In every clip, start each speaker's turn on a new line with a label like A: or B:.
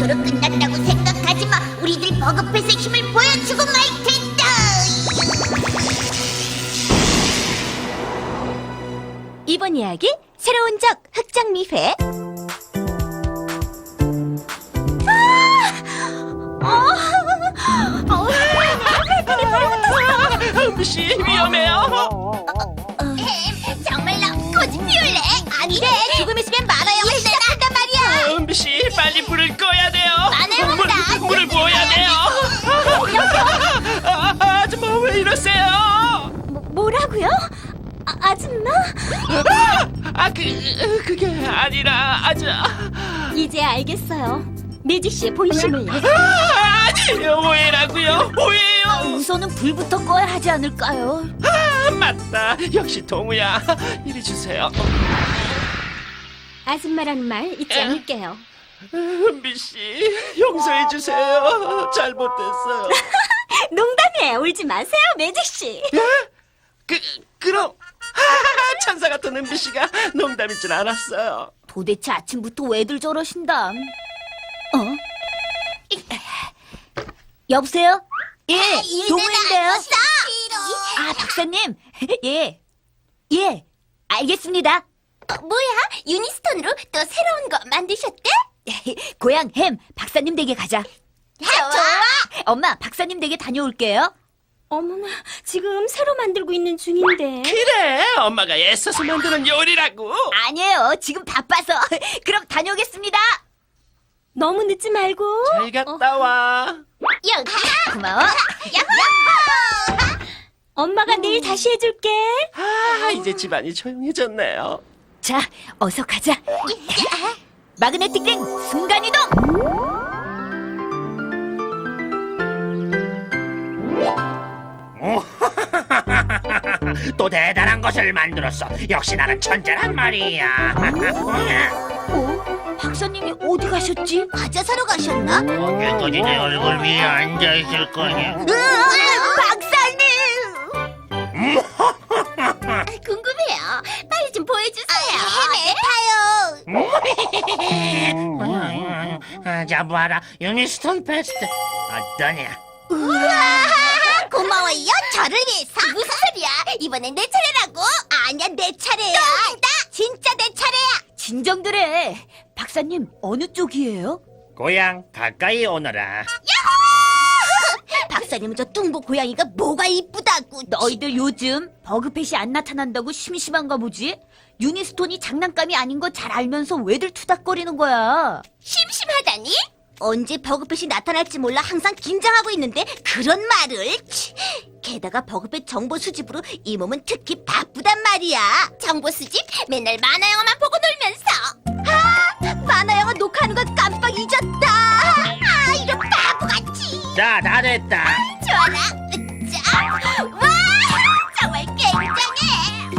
A: 이것으로 끝난다고 생각하지 마. 우리들 버그펫의 힘을 보여주고 말 텐다.
B: 이번 이야기 새로운 적 흑장미회.
C: 은비씨 위험해요.
A: 정말로 꽃이 피울래? 아니래. 조금 있으면 만화영화 시작한단 말이야.
C: 은비씨 빨리 불을 꺼야 돼요.
A: 만화영화다.
C: 물을 부어야 돼요. 아줌마 왜 이러세요?
B: 뭐라고요? 아줌마?
C: 그게 아니라
B: 이제 알겠어요. 매직 씨의 본심을.
C: 아니에요. 오해라고요. 오해요.
B: 우선은 불부터 꺼야 하지 않을까요?
C: 맞다. 역시 동우야. 이리 주세요.
B: 아줌마라는 말 잊지 않을게요.
C: 은비씨 용서해 주세요. 잘못됐어요.
B: 농담이에요. 울지 마세요, 매직 씨.
C: 그럼 천사 같은 은비씨가 농담일 줄 알았어요.
B: 도대체 아침부터 왜들 저러신다? 여보세요? 예, 동우인데요. 아, 박사님. 예, 알겠습니다.
A: 뭐야? 유니스톤으로 또 새로운 거 만드셨대?
B: 고향 햄 박사님 댁에 가자.
A: 좋아.
B: 엄마, 박사님 댁에 다녀올게요. 어머나, 지금 새로 만들고 있는 중인데.
C: 그래, 엄마가 애써서 만드는 요리라고.
B: 아니에요, 지금 바빠서. 그럼 다녀오겠습니다. 너무 늦지 말고.
C: 잘 갔다 와.
A: 여기야.
B: 고마워.
A: 야호!
B: 엄마가 내일 다시 해줄게.
C: 이제 집안이 조용해졌네요.
B: 자, 어서 가자. 마그네틱 링 순간이동.
D: 또 대단한 것을 만들었어. 역시 나는 천재란 말이야.
B: 박사님이 어디 가셨지?
A: 과자 사러 가셨나?
D: 언제까지 내 얼굴 위에 앉아 있을 거냐?
A: 박사님! 궁금해요. 빨리 좀 보여주세요. 해봐요.
D: 자, 봐라. 유니스톤 페스트. 어떠냐?
A: 고마워요. 저를 위해서. 무슨 소리야? 이번엔 내 차례라고? 아니야, 내 차례야. 진짜 내 차례야.
B: 진정들해. 박사님, 어느 쪽이에요?
D: 고향 가까이 오너라.
A: 박사님은 저 뚱보 고양이가 뭐가 이쁘다고.
B: 너희들 요즘 버그펫이 안 나타난다고 심심한가 보지? 유니스톤이 장난감이 아닌 거 잘 알면서 왜들 투닥거리는 거야?
A: 심심하다니? 언제 버그펫이 나타날지 몰라 항상 긴장하고 있는데 그런 말을. 게다가 버그펫 정보 수집으로 이 몸은 특히 바쁘단 말이야. 정보 수집? 맨날 만화 영화만 보고 놀면서. 만화 영화 녹화하는 거 깜빡 잊었다. 이런 바보같이.
D: 자, 다 됐다.
A: 좋아라. 자, 와, 정말 굉장해.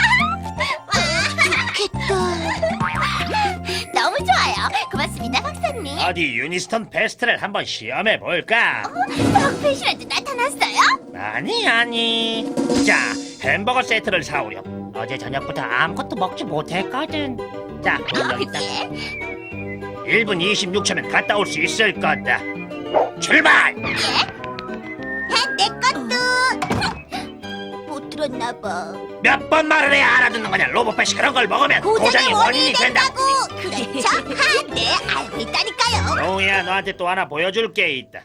A: 좋겠다. 너무 좋아요. 고맙습니다, 박사님.
D: 어디 유니스톤 페스트를 한번 시험해 볼까?
A: 버그펫이라도 나타났어요?
D: 아니. 자, 햄버거 세트를 사오렴. 어제 저녁부터 아무것도 먹지 못했거든. 자, 그럼 여기다.
A: 예.
D: 1분 26초면 갔다 올 수 있을 거다. 출발!
A: 내 것도. 못 들었나 봐.
D: 몇 번 말을 해야 알아듣는 거냐? 로봇펫이 그런 걸 먹으면 고장의 원인이 된다.
A: 그렇죠? 네, 알고 있다니까요.
D: 노우야, 너한테 또 하나 보여줄 게 있다.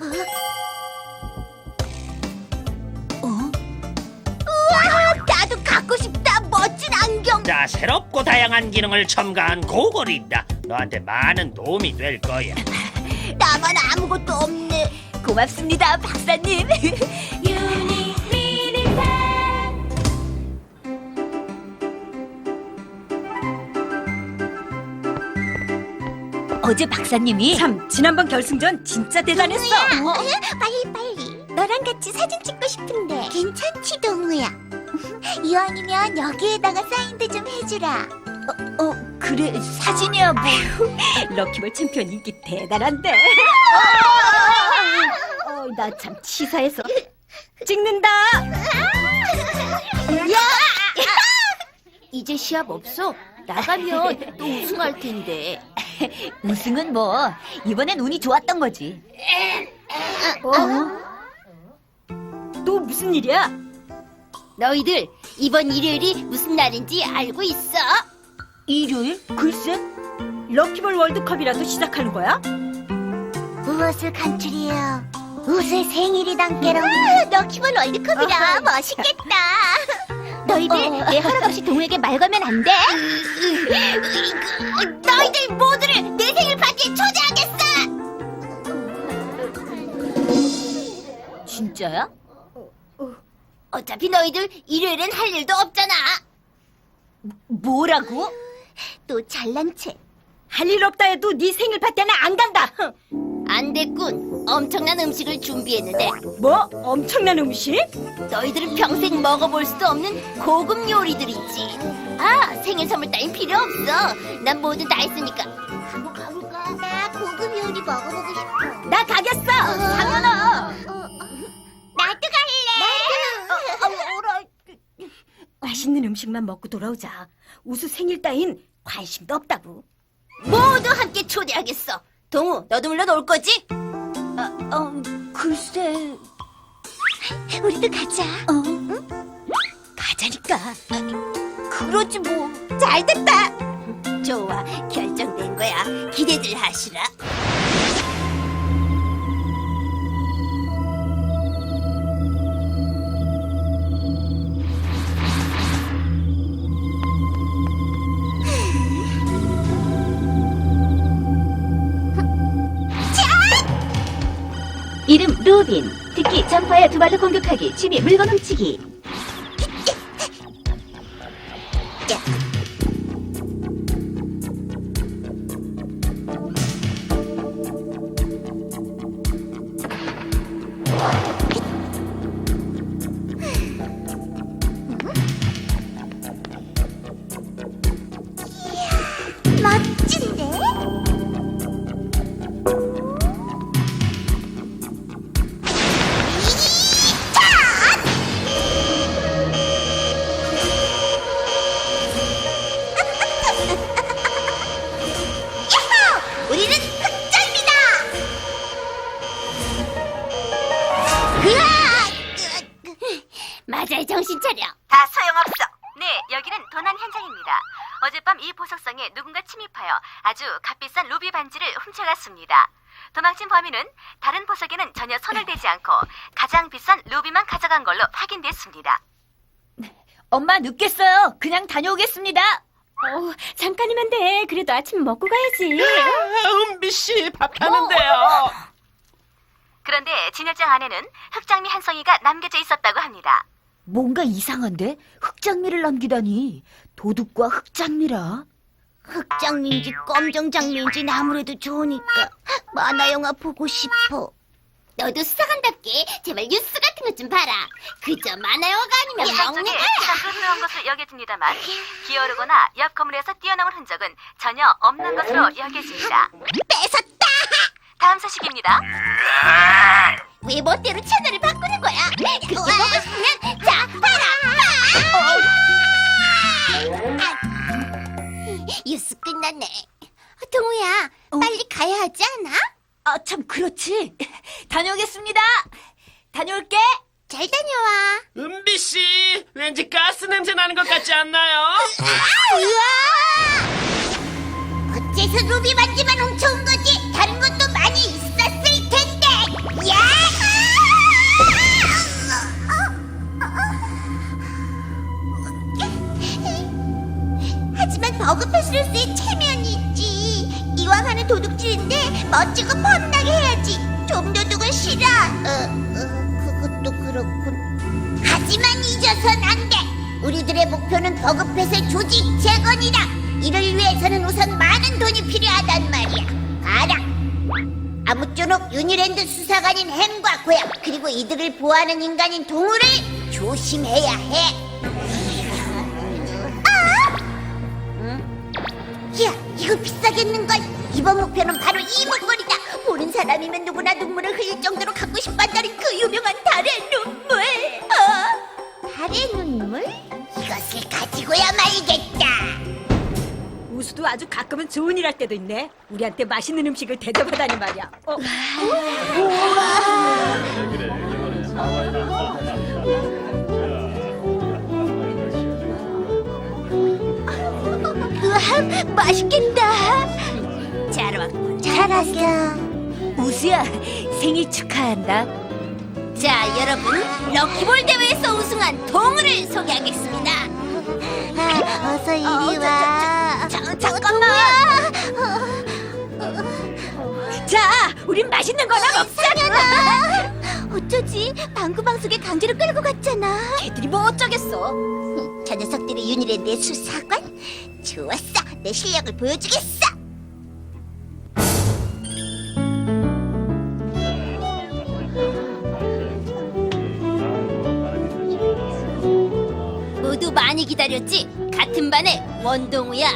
A: 우와, 나도 갖고 싶다. 멋진 안경.
D: 자, 새롭고 다양한 기능을 첨가한 고글이다. 너한테 많은 도움이 될 거야.
A: 나만 아무것도 없네.
B: 고맙습니다, 박사님. 어제 박사님이 참 지난번 결승전 진짜 대단했어.
A: 동우야, 빨리. 너랑 같이 사진 찍고 싶은데. 괜찮지, 동우야. 이왕이면 여기에다가 사인도 좀 해주라.
B: 그래, 사진이야 뭐. 럭키볼 챔피언 인기 대단한데. 나 참 치사해서. 찍는다.
A: 이제 시합 없어? 나가면 또 우승할 텐데.
B: 우승은 뭐 이번엔 운이 좋았던 거지. 또 무슨 일이야?
A: 너희들 이번 일요일이 무슨 날인지 알고 있어?
B: 일요일? 글쎄. 럭키볼 월드컵이라도 시작하는 거야?
A: 무엇을 간추리요? 무엇의 생일이단께로 럭키볼 월드컵이라 멋있겠다. 너희들 내 허락 없이 동우에게 말 걸면 안 돼? 너희들 모두를 내 생일 파티에 초대하겠어.
B: 진짜야?
A: 어차피 너희들 일요일엔 할 일도 없잖아.
B: 뭐라고?
A: 또 잘난 채.
B: 할 일 없다 해도 네 생일 파티는 안 간다.
A: 안 됐군. 엄청난 음식을 준비했는데
B: 뭐? 엄청난 음식?
A: 너희들은 평생 먹어볼 수도 없는 고급 요리들이지. 아, 생일 선물 따윈 필요 없어. 난 뭐든 다 했으니까. 한번 가볼까? 나 고급 요리 먹어보고 싶어.
B: 나 가겠어. 당연아.
A: 나도 갈래.
B: 맛있는 음식만 먹고 돌아오자. 우수 생일 따윈 관심도 없다고.
A: 모두 함께 초대하겠어. 동우, 너도 물론 올 거지?
B: 글쎄.
A: 우리도 가자.
B: 응? 가자니까.
A: 그러지 뭐. 잘 됐다. 좋아, 결정된 거야. 기대들 하시라.
E: 이름 루빈. 특히 점퍼에 두 발로 공격하기, 취미 물건 훔치기.
A: 멋진데? 우리는 흑점이다! 맞아요, 정신 차려.
F: 다 소용없어. 네, 여기는 도난 현장입니다. 어젯밤 이 보석성에 누군가 침입하여 아주 값비싼 루비 반지를 훔쳐갔습니다. 도망친 범인은 다른 보석에는 전혀 손을 대지 않고 가장 비싼 루비만 가져간 걸로 확인됐습니다.
B: 엄마 늦겠어요. 그냥 다녀오겠습니다.
F: 잠깐이면 돼. 그래도 아침 먹고 가야지.
C: 은비 씨, 밥 하는데요.
F: 그런데 진열장 안에는 흑장미 한 송이가 남겨져 있었다고 합니다.
B: 뭔가 이상한데? 흑장미를 남기다니. 도둑과 흑장미라.
A: 흑장미인지 검정장미인지 아무래도 좋으니까 만화 영화 보고 싶어. 너도 수사관답게 제발 뉴스 같은 것 좀 봐라. 그저 만화 영화가 아니면
F: 영상
A: 먹는
F: 쪽에
A: 거야.
F: 시간도 흐르는 것으로 여겨집니다만 기어오르거나 옆 건물에서 뛰어넘은 흔적은 전혀 없는 것으로 여겨집니다.
A: 뺏었다.
F: 다음 소식입니다.
A: 왜 멋대로 채널을 바꾸는 거야? 그렇게 보고 싶으면 자 봐라. 뉴스 끝났네. 동우야, 빨리 가야 하지 않아?
B: 아, 참 그렇지. 다녀오겠습니다. 다녀올게.
A: 잘 다녀와.
C: 은비 씨, 왠지 가스 냄새 나는 것 같지 않나요?
A: 어째서 루비 반지만 훔쳐온 거지? 다른 것도 많이 있었을 텐데. 야! 하지만 버그패스로서의 체면이지. 이왕 하는 도둑질인데 멋지고 뻔하게 해야지. 좀 도둑은 싫어. 그것도 그렇군. 하지만 잊어선 안 돼. 우리들의 목표는 버그패스의 조직 재건이다. 이를 위해서는 우선 많은 돈이 필요하단 말이야. 봐라. 아무쪼록 유니랜드 수사관인 햄과 고양, 그리고 이들을 보호하는 인간인 동우를 조심해야 해. 야, 이거 비싸겠는걸? 이번 목표는 바로 이 목걸이다. 보는 사람이면 누구나 눈물을 흘릴 정도로 갖고 싶어한다는 그 유명한 달의 눈물. 달의 눈물? 이것을 가지고야 말겠다.
B: 고수도 아주 가끔은 좋은 일 할 때도 있네. 우리한테 맛있는 음식을 대접하다니 말이야.
A: 우와, 맛있겠다. 잘 왔어.
B: 우수야, 생일 축하한다.
A: 자, 여러분, 럭키볼 대회에서 우승한 동우를 소개하겠습니다. 어서 이리 와. 잠깐만.
B: 자, 우린 맛있는 거나 먹자.
A: 어쩌지? 방구방석에 강제로 끌고 갔잖아.
B: 걔들이 뭐 어쩌겠어.
A: 저 녀석들이 윤희의 내 수사관? 좋았어. 내 실력을 보여주겠어. 모두 많이 기다렸지? 같은 반의 원동우야.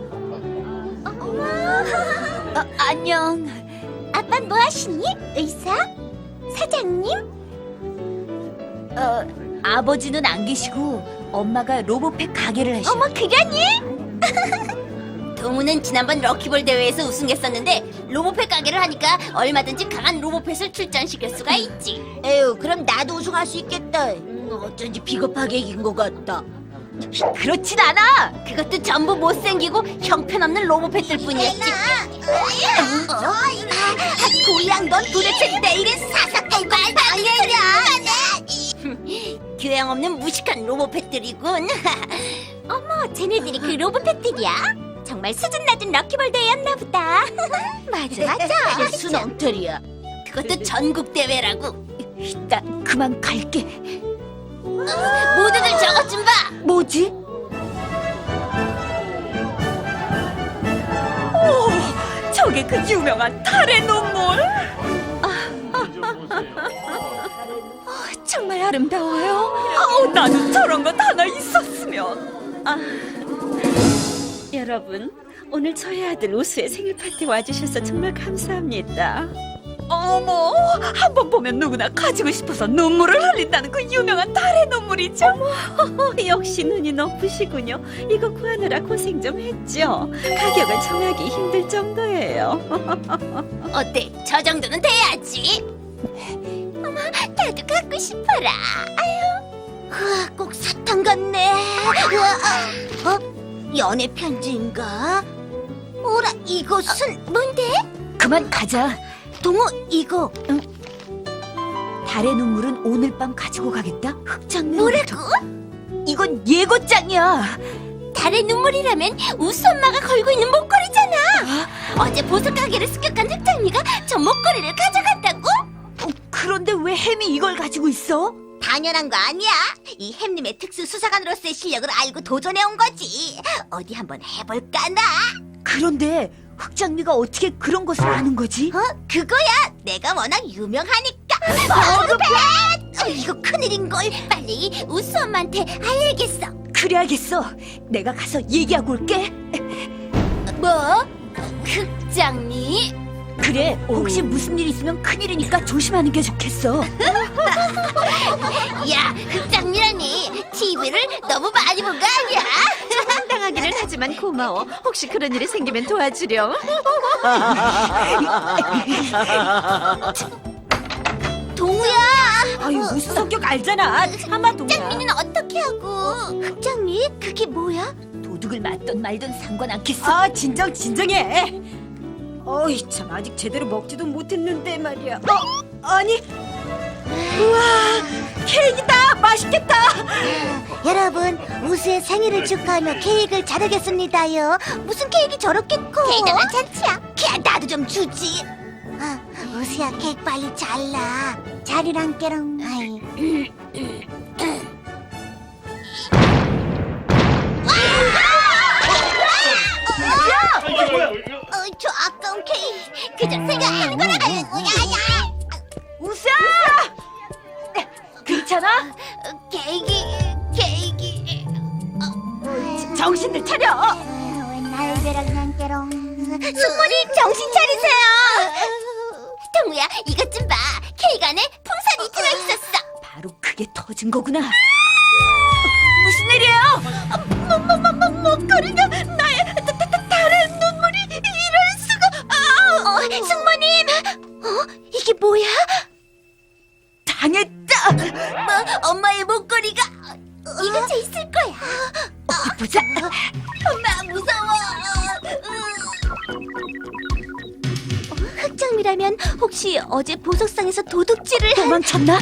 B: 안녕.
A: 아빤 뭐 하시니? 의사? 사장님?
B: 아버지는 안 계시고 엄마가 로봇팩 가게를 하셔.
A: 어머, 그러니? 동우는 지난번 럭키볼 대회에서 우승했었는데 로봇펫 가게를 하니까 얼마든지 강한 로봇펫을 출전시킬 수가 있지.
B: 에휴, 그럼 나도 우승할 수 있겠다. 어쩐지 비겁하게 이긴 것 같다. 그렇진 않아.
A: 그것도 전부 못생기고 형편없는 로봇펫들 뿐이었지. 고양, 넌 도대체 내일의 사사건 말방해냐? 교양 없는 무식한 로봇펫들이군. 어머, 쟤네들이 그 로봇펫들이야? 정말 수준 낮은 럭키볼 대회였나 보다. 맞아.
B: 순 엉터리야.
A: 그것도 전국 대회라고.
B: 나 그만 갈게.
A: 모두들 저것 좀 봐.
B: 뭐지? 오, 저게 그 유명한 달의 눈물. 정말 아름다워요. 나도 저런 것 하나 있었으면.
G: 여러분, 오늘 저희 아들 우수의 생일 파티 와주셔서 정말 감사합니다.
B: 어머, 한 번 보면 누구나 가지고 싶어서 눈물을 흘린다는 그 유명한 달의 눈물이죠.
G: 역시 눈이 높으시군요. 이거 구하느라 고생 좀 했죠. 가격을 정하기 힘들 정도예요.
A: 어때? 저 정도는 돼야지. 어머, 나도 갖고 싶어라. 우와, 꼭 사탕 같네. 우와, 연애 편지인가? 오라, 이것은 뭔데?
B: 그만 가자.
A: 동우, 이거
B: 달의 눈물은 오늘 밤 가지고 가겠다. 흑장면.
A: 뭐라고?
B: 이건 예고장이야.
A: 달의 눈물이라면 우수 엄마가 걸고 있는 목걸이잖아. 어제 보석 가게를 습격한 흑장미가 저 목걸이를 가져갔다고?
B: 그런데 왜 햄이 이걸 가지고 있어?
A: 당연한 거 아니야. 이 햄님의 특수 수사관으로서의 실력을 알고 도전해온 거지. 어디 한번 해볼까나?
B: 그런데 흑장미가 어떻게 그런 것을 아는 거지?
A: 그거야. 내가 워낙 유명하니까. 버그펫! 이거 큰일인걸. 빨리 우수 엄마한테 알려야겠어.
B: 그래야겠어. 내가 가서 얘기하고 올게.
A: 뭐? 흑장미?
B: 그래, 혹시 무슨 일 있으면 큰일이니까 조심하는 게 좋겠어.
A: 야, 흑장미라니. TV를 너무 많이 본 거 아니야?
G: 당하기는 하지만 고마워. 혹시 그런 일이 생기면 도와주렴.
A: 동우야.
B: 아유, 무슨 성격 알잖아. 참아, 동야.
A: 흑장미는 어떻게 하고? 흑장미? 그게 뭐야?
B: 도둑을 맞던 말던 상관 않겠어. 진정해. 어이, 참, 아직 제대로 먹지도 못했는데 말이야. 아니. 우와, 케이크다. 맛있겠다.
A: 여러분, 우수의 생일을 축하하며 케이크를 자르겠습니다요. 무슨 케이크 저렇게 커? 대단한 잔치야. 그냥 나도 좀 주지. 우수야, 케이크 빨리 잘라. 자리랑 깨랑. 저 아까운 케이크 그저 생각하는 거라고요.
B: 우수야! 괜찮아?
A: 케이크.
B: 정신을 차려.
A: 숙모님 정신 차리세요. 동우야, 이것 좀 봐. 케이크 안에 풍선이 들어있었어.
B: 바로 그게 터진 거구나. 무슨 일이에요?
A: 목걸이가 나의 다른 흑장미라면 혹시 어제 보석상에서 도둑질을
B: 도망쳤나?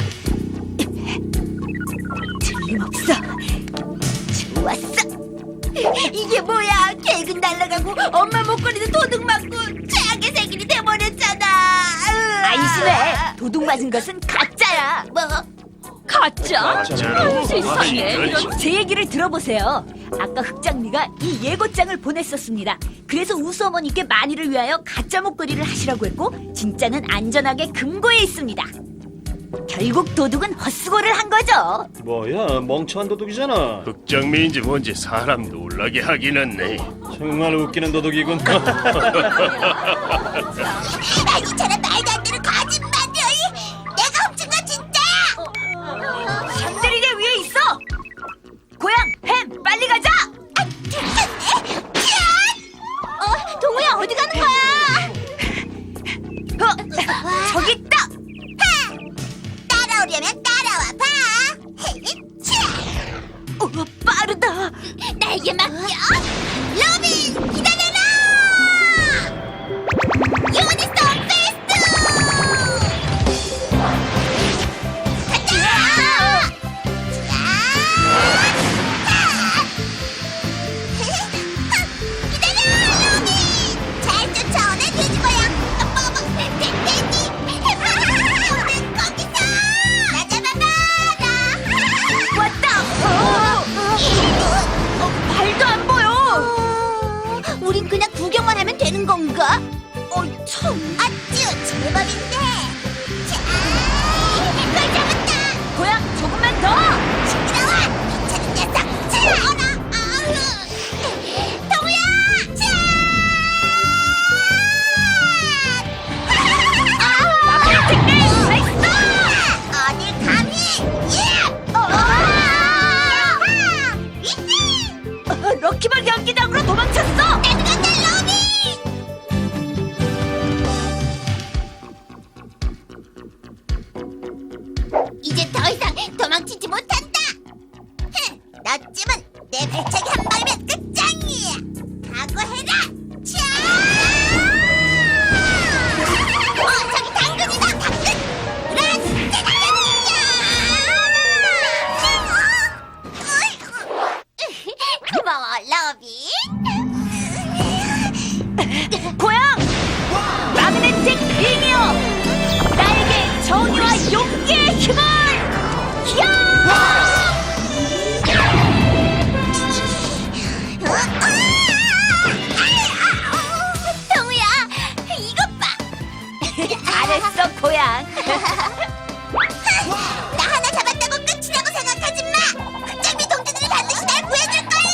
B: 틀림없어.
A: 좋았어. 이게 뭐야? 계획은 날아가고 엄마 목걸이도 도둑 맞고 최악의 생일이 돼버렸잖아.
B: 안심해. 도둑 맞은 것은 가짜야.
A: 뭐?
B: 가짜? 세상에.
C: 이런.
B: 제 얘기를 들어보세요. 아까 흑장미가 이 예고장을 보냈었습니다. 그래서 우수 어머니께 만일을 위하여 가짜 목걸이를 하시라고 했고 진짜는 안전하게 금고에 있습니다. 결국 도둑은 헛수고를 한 거죠.
H: 뭐야, 멍청한 도둑이잖아.
C: 흑장미인지 뭔지 사람 놀라게 하긴 했네.
H: 정말 웃기는 도둑이군.
A: 이처럼 말도 안 되는 거짓말이야. 내가 훔친 거 진짜야.
B: 샹들리제 위에 있어. 고양, 햄, 빨리 가자.
A: 동우야 어디 가는 거야?
B: 저기 있다.
A: 따라오려면 따라와 봐.
B: 빠르다.
A: 나에게 맡겨. 로빈 기다려라. 유니스톤 페스트. 가자. 기다려 로빈. 잘 쫓아오네 돼지고양. 돼지. 오늘 거기서 나 잡아봐라.
B: 왔다. 발도 안 보여.
A: 우린 그냥 구경만 하면 되는 건가?
B: 참.
A: 아쭈 제법인데. 자, 걸 잡았다.
B: 고양, 조금만 더.
A: 시끄러워. 귀찮은 녀석. 자, 어라. 동우야. 자. 어딜 감히? 예.
B: 럭키볼 경기장으로 도망쳤어.
A: 나들었다 로비. 이제 더 이상 도망치지 못한다. 너쯤은 내 발차기 한 방이면 끝장이야. 각오해라. 자! 저기 당근이다. 당근. 라스 고마워 러비.
B: 고양, 마그네틱 링이여, 나에게 정의와 용기의 힘을. 야!
A: 동우야, 이것 봐.
B: 잘했어, 고양.
A: 나 하나 잡았다고 끝이라고 생각하지 마. 흑장미 동지들이 반드시 날 구해줄 거야.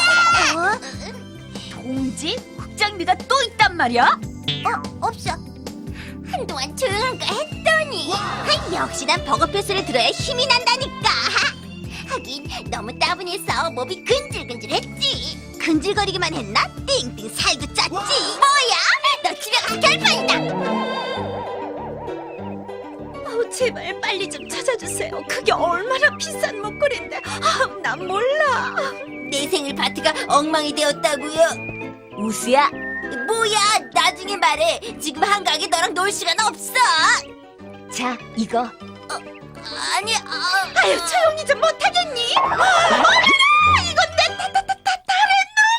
B: 동지? 흑장미가 또 있단 말이야?
A: 없어. 한동안 조용한 거 했더니 역시 난 버거패스를 들어야 힘이 난다니까. 하긴 너무 따분해서 몸이 근질근질했지. 근질거리기만 했나? 띵띵 살도 쪘지. 뭐야? 너 집에 가 결판이다.
G: 제발 빨리 좀 찾아주세요. 그게 얼마나 비싼 목걸이인데. 난 몰라.
A: 내 생일 파티가 엉망이 되었다고요.
B: 우수야,
A: 뭐야? 나중에 말해. 지금 한가하게 너랑 놀 시간 없어.
B: 자, 이거.
A: 아니,
G: 아유, 조용히 좀 못하겠니?
A: 이건 내 다른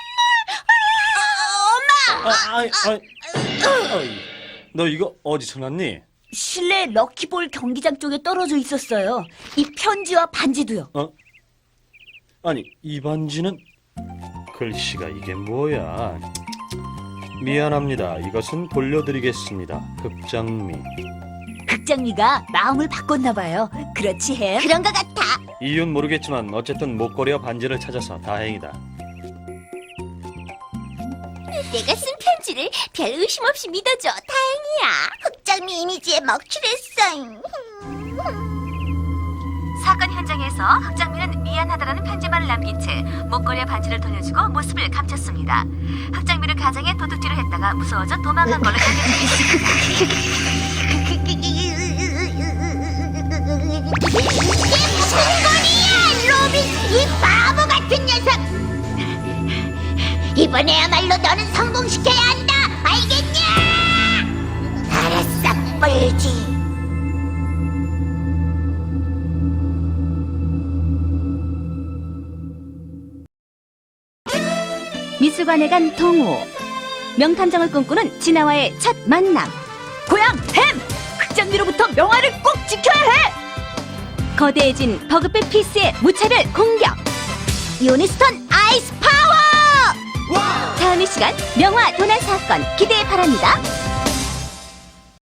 A: 눈물. 엄마.
H: 너 이거 어디서 났니?
B: 실내 럭키볼 경기장 쪽에 떨어져 있었어요. 이 편지와 반지도요.
H: 아니, 이 반지는 글씨가 이게 뭐야? 미안합니다. 이것은 돌려드리겠습니다. 흑장미.
B: 흑장미가 마음을 바꿨나 봐요. 그렇지 해.
A: 그런 것 같아.
H: 이유는 모르겠지만 어쨌든 목걸이와 반지를 찾아서 다행이다.
A: 내가 쓴 편지를 별 의심 없이 믿어줘. 다행이야. 흑장미 이미지에 먹칠했어.
F: 사건 현장에서 흑장미는 미안하다라는 편지만을 남긴 채 목걸이와 반지를 돌려주고 모습을 감췄습니다. 흑장미를 가정에 도둑질을 했다가 무서워져 도망간 걸로 알려졌습니다.
A: 이게 무슨 소리야, 로빈! 이 바보 같은 녀석! 이번에야말로 너는 성공시켜야 한다! 알겠냐? 알았어. 빨지.
E: 미술관에 간 동호. 명탐정을 꿈꾸는 진아와의 첫 만남.
B: 고양 햄! 흑장미로부터 명화를 꼭 지켜야 해!
E: 거대해진 버그배 피스의 무차별 공격.
A: 유니스톤 아이스 파워!
E: 다음 이 시간 명화 도난 사건 기대해 바랍니다.